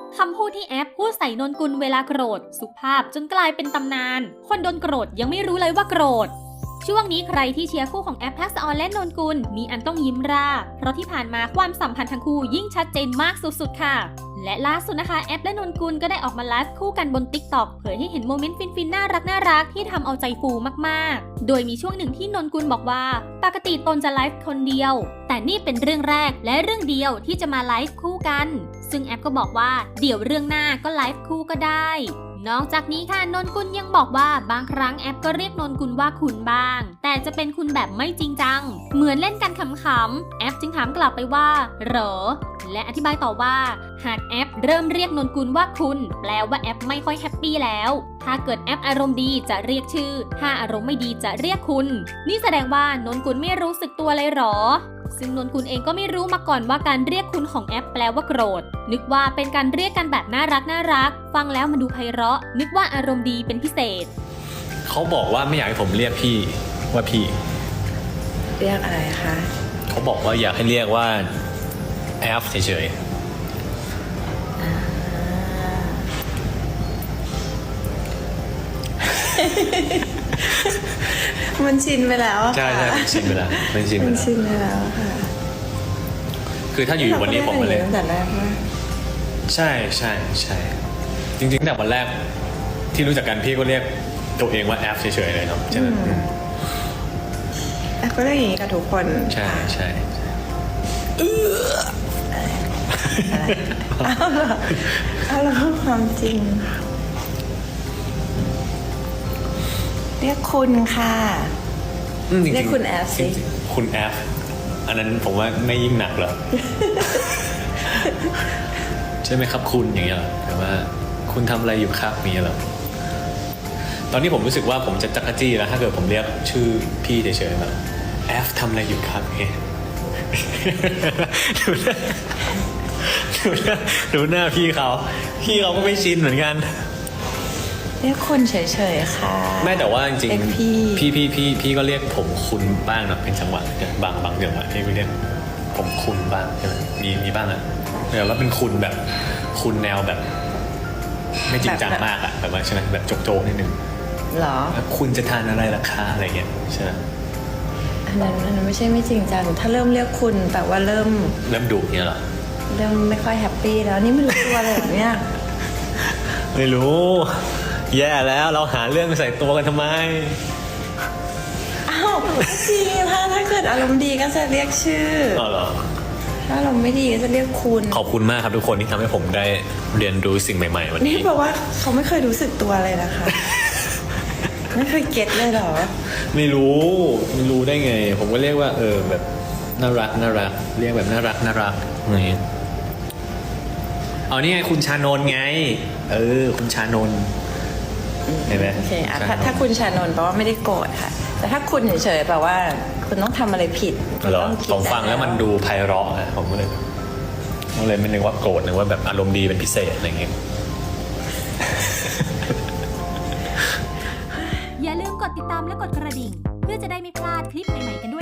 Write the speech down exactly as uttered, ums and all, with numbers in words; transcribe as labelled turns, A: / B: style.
A: คำพูดที่แอปพูดใส่นนกุลเวลาโกรธสุภาพจนกลายเป็นตำนานคนโดนโกรธยังไม่รู้เลยว่าโกรธช่วงนี้ใครที่เชียร์คู่ของแอปทักษะออนและนนกุลมีอันต้องยิ้มราเพราะที่ผ่านมาความสัมพันธ์ทั้งคู่ยิ่งชัดเจนมากสุดๆค่ะและล่าสุดนะคะแอปและนนกุลก็ได้ออกมาไลฟ์คู่กันบน ติ๊กต็อก เผยให้เห็นโมเมนต์ฟินๆน่ารักน่ารักที่ทำเอาใจฟูมากๆโดยมีช่วงหนึ่งที่นนกุลบอกว่าปกติตนจะไลฟ์คนเดียวแต่นี่เป็นเรื่องแรกและเรื่องเดียวที่จะมาไลฟ์คู่กันซึ่งแอปก็บอกว่าเดี๋ยวเรื่องหน้าก็ไลฟ์คู่ก็ได้นอกจากนี้ค่ะนนกุลยังบอกว่าบางครั้งแอปก็เรียกนนกุลว่าคุณบ้างแต่จะเป็นคุณแบบไม่จริงจังเหมือนเล่นกันขำๆแอปจึงถามกลับไปว่าเหรอและอธิบายต่อว่าหากแอปเริ่มเรียกนนกุลว่าคุณแปลว่าแอปไม่ค่อยแฮปปี้แล้วถ้าเกิดแอปอารมณ์ดีจะเรียกชื่อถ้าอารมณ์ไม่ดีจะเรียกคุณนี่แสดงว่านนกุลไม่รู้สึกตัวเลยเหรอซึ่งนนกุลเองก็ไม่รู้มาก่อนว่าการเรียกคุณของแอปแปลว่าโกรธนึกว่าเป็นการเรียกกันแบบน่ารักน่ารักฟังแล้วมันดูไพเราะนึกว่าอารมณ์ดีเป็นพิเศษ
B: เขาบอกว่าไม่อยากให้ผมเรียกพี่ว่าพี่
C: เรียกอะไรคะ
B: เขาบอกว่าอยากให้เรียกว่าแอฟเฉย
C: ๆมันชินไปแล้ว
B: ใช่ใช่มันชินไปแล้วมันชินไปแล้ว
C: มันชินไปแล้วค่ะ
B: คือถ้าอยู่วันนี้ผมมาเลย
C: ตั้งแต่แรกว่า
B: ใช่ใช่ใช่จริงๆแต่วันแรกที่รู้จักกันพี่ก็เรียกตัวเองว่าแอฟเฉยๆเลยเนาะใช่ไหม
C: แอฟก็เรียกอย่างนี้กับทุกคน
B: ใช่ใช่
C: เออเอาเราพูดความจริงเรียกคุณค่ะเรียกคุณแอฟสิ
B: คุณแอฟอันนั้นผมว่าไม่ยิ่งหนักหรอ ใช่ไหมครับคุณอย่างเงี้ยหรอแต่ว่าคุณทำอะไรอยู่ครับมีหรอตอนนี้ผมรู้สึกว่าผมจะจักรจี้แล้วถ้าเกิดผมเรียกชื่อพี่เฉยๆแบบแอฟทำอะไรอยู่ครับเงี้ยดูหน้าดูหน้าดูหน้าพี่เขาพี่เขาก็ไม่ชินเหมือนกัน
C: เรียกคุณเฉยๆค่ะ
B: ไม่แต่ว่าจริงๆพี่พี่พี่พี่พี่ก็เรียกผมคุณบ้างนะเป็นจังหวะบางบางจังหวะพี่ก็เรียกผมคุณบ้างใช่ไหมมีมีบ้างอะแต่ว่าเป็นคุณแบบคุณแนวแบบไม่จริงจังมากอะแบบว่าใช่ไหมแบบโจ๊กๆนิดนึง
C: หรอ
B: คุณจะทานอะไรราคาอะไรเงี้ยใช่ไหม
C: อันนั้นอันนั้นไม่ใช่ไม่จริงจังถ้าเริ่มเรียกคุณแปลว่าเริ่ม
B: เริ่มดุเนี่ยหรอ
C: เริ่มไม่ค่อยแฮปปี้แล้วนี่ไม่รู้ตัวเลยแบบเนี้ย
B: ไม่รู้แย่แล้วเราหาเรื่องใส่ตัวกันทำไม
C: อ้าวจริงถ้าถ้าเกิดอารมณ์ดีก็จะเรียกชื่อ
B: อ๋อเหรอ
C: ถ้าอารมณ์ไม่ดีก็จะเรียกคุณ
B: ขอบคุณมากครับทุกคนที่ทำให้ผมได้เรียนรู้สิ่งใหม่ๆวันนี้
C: นี่แปลว่าเขาไม่เคยรู้สึกตัวเลยนะคะไม่เคยเก็ตเลยเหรอ
B: ไม่รู้ไม่รู้ได้ไงผมก็เรียกว่าเออแบบน่ารักน่ารักเรียกแบบน่ารักน่ารักอะไรอย่างเงี้ยเอานี่ไงคุณชานนท์ไงเออคุณชานนท์เห็นไหม
C: โอเคอ่ะถ้าถ้าคุณชานนท์แปลว่าไม่ได้โกรธค่ะแต่ถ้าคุณเฉยๆแปลว่าคุณต้องทำอะไรผิด
B: เหรอผมฟังแล้วมันดูไพเราะนะผมก็เลยผมเลยไม่นึกว่าโกรธนึกว่าแบบอารมณ์ดีเป็นพิเศษอะไรอย่างเงี้ย
A: อย่าลืมกดติดตามและกดกระดิ่งเพื่อจะได้ไม่พลาดคลิปใหม่ๆกันด้วย